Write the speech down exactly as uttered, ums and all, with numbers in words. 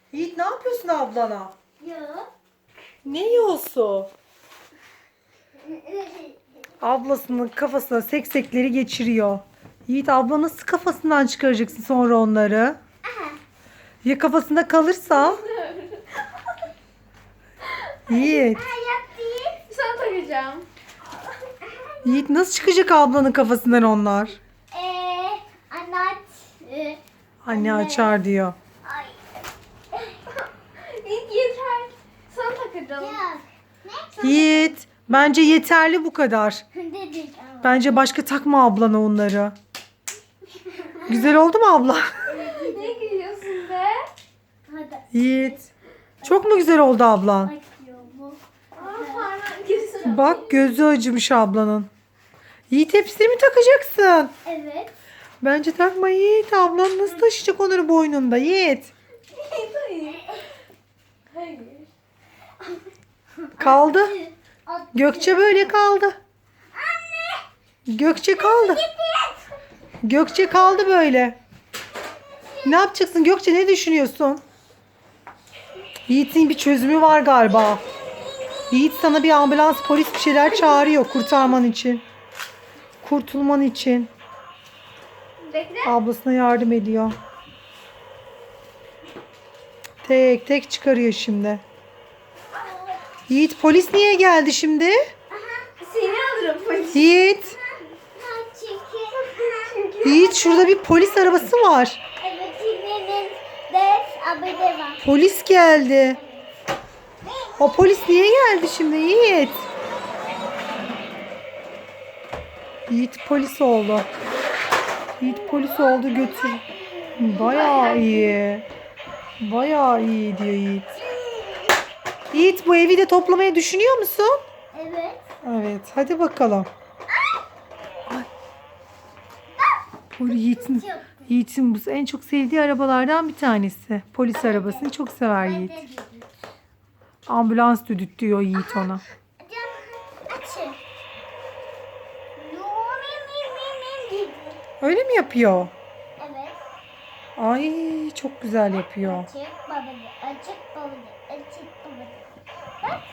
Yiğit ne yapıyorsun ablana? Yok. Ne yiyorsun? Ablasının kafasına seksekleri geçiriyor. Yiğit abla nasıl kafasından çıkaracaksın sonra onları? Aha. Ya kafasında kalırsa? Yiğit. Ayak değil. Sana takacağım. Yiğit nasıl çıkacak ablanın kafasından onlar? Eee anlat. Ee, Anne açar diyor. ay. İlk yeter. Sana takacağım. Yok. Ne? Yiğit bence yeterli bu kadar. Dedik ama. Bence başka takma ablana onları. Güzel oldu mu abla? Ne gülüyorsun be? Hadi. Yiğit. Çok mu güzel oldu ablan? Bakıyor bu. Aa, parmağın gözüne. Bak gözü acımış ablanın. Yiğit hepsini mi takacaksın? Evet. Bence takma Yiğit. Ablan nasıl taşıyacak onları boynunda Yiğit? Hayır. Hayır. Kaldı. At- Gökçe böyle kaldı. Gökçe kaldı. Gökçe kaldı böyle. Ne yapacaksın Gökçe, ne düşünüyorsun? Yiğit'in bir çözümü var galiba. Yiğit sana bir ambulans, polis bir şeyler çağırıyor kurtarman için. Kurtulman için. Bekle. Ablasına yardım ediyor. Tek tek çıkarıyor şimdi. Yiğit polis niye geldi şimdi? Seni alırım polis. Yiğit. Ha, çünkü. Yiğit şurada bir polis arabası var. Evet, Çin'in de abone var. Polis geldi. O polis niye geldi şimdi Yiğit? Yiğit polis oldu. Yiğit polis oldu, götür. Bayağı iyi. Bayağı iyi diyor Yiğit. Yiğit bu evi de toplamayı düşünüyor musun? Evet. Evet, hadi bakalım. Ay. Bu Yiğit'in, Çok. Yiğit'in bu en çok sevdiği arabalardan bir tanesi. Polis arabasını çok sever Yiğit. Ben de dedim. Ambulans düdük diyor Yiğit ona. Can açın. Yo, mim mim mim mim dedi. Öyle mi yapıyor? Evet. Ay çok güzel yapıyor. Açık babacı, açık babacı, açık babacı. Bak.